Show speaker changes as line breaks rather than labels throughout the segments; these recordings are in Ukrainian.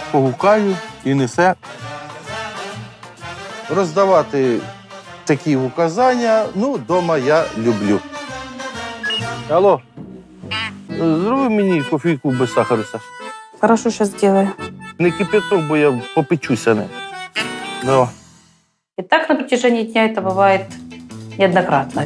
погукаю і несе. Роздавати такі указання, вдома я люблю. Алло, зроби мені кофійку без сахару, Саш.
Хорошо, сейчас сделаю.
Не кипяток, бо я попечуся не. Давай.
И так на протяжении дня это бывает неоднократно.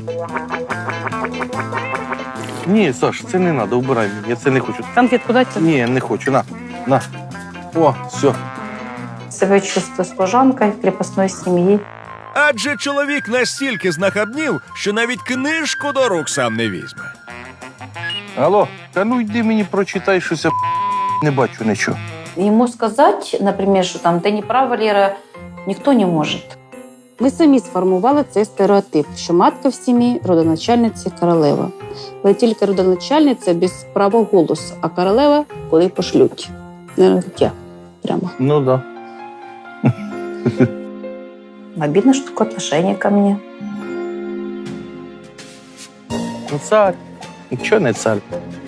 Ні, Саш, це не треба, убирай мені, я це не хочу.
Конфетку дать?
Ні, не хочу, на. О, все.
Себя чувствую служанкой крепостной семьи.
Адже чоловік настільки знахабнів, що навіть книжку до рук сам не візьме.
Алло, та йди мені прочитай щось, я не бачу нічого.
Ему сказать, например, що там «ти не права, Лера», ніхто не може. Ми самі сформували цей стереотип, що матка в сім'ї – родоначальниця королева. Але тільки родоначальниця без права голосу, а королева – коли пошлють. Не я. Прямо.
Ну да.
Обидно, что такое отношение ко мне.
Ну цар. Нічого не цар.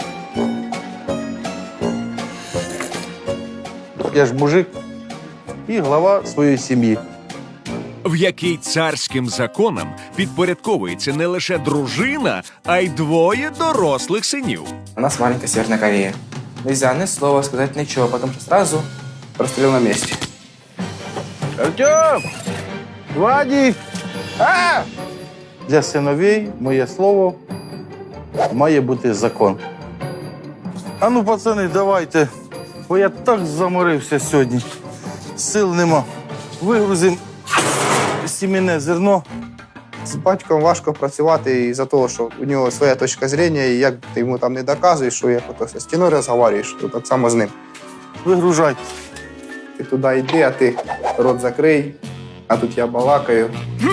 Я ж мужик і глава своєї сім'ї.
В якій царським законам підпорядковується не лише дружина, а й двоє дорослих синів.
У нас маленькая Северная Корея. Нельзя ни слова сказать, ничего, потому что сразу прострел на месте.
Артем! Вадик! А! Для синовей моє слово має бути закон. А ну, пацани, давайте, бо я так заморився сьогодні. Сил нема. Вигрузимо сімейне зерно.
З батьком важко працювати із-за того, що у нього своя точка зору, і як ти йому там не доказуєш, що як ото зі стіною розговорюєш, то так само з ним.
Вигружайте.
Ти туди йди, а ти рот закрий, а тут я балакаю.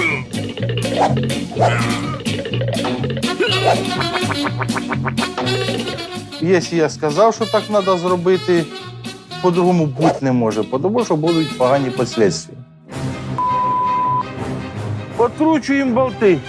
Якщо я сказав, що так треба зробити, по-другому бути не може, тому що будуть погані наслідки. Откручуємо болти.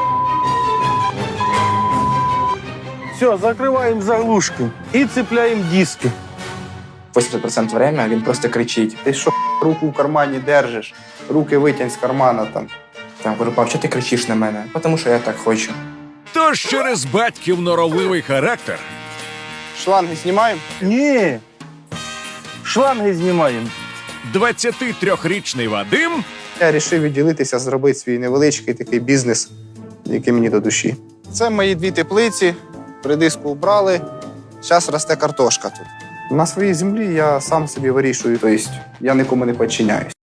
Все, закриваємо заглушки і цепляємо диски.
80% время він просто кричить.
Ти що, руку в кармані держиш, руки витягнь з кармана там.
Там кажу, пап, чого ти кричиш на мене? Тому що я так хочу.
Тож через батьків норовливий характер
Шланги знімаємо?
Ні. Шланги знімаємо.
23-річний Вадим
Я вирішив відділитися, зробити свій невеличкий такий бізнес, який мені до душі. Це мої 2 теплиці, придиску вбрали, зараз росте картошка тут. На своїй землі я сам собі вирішую, тобто я нікому не підчиняюсь.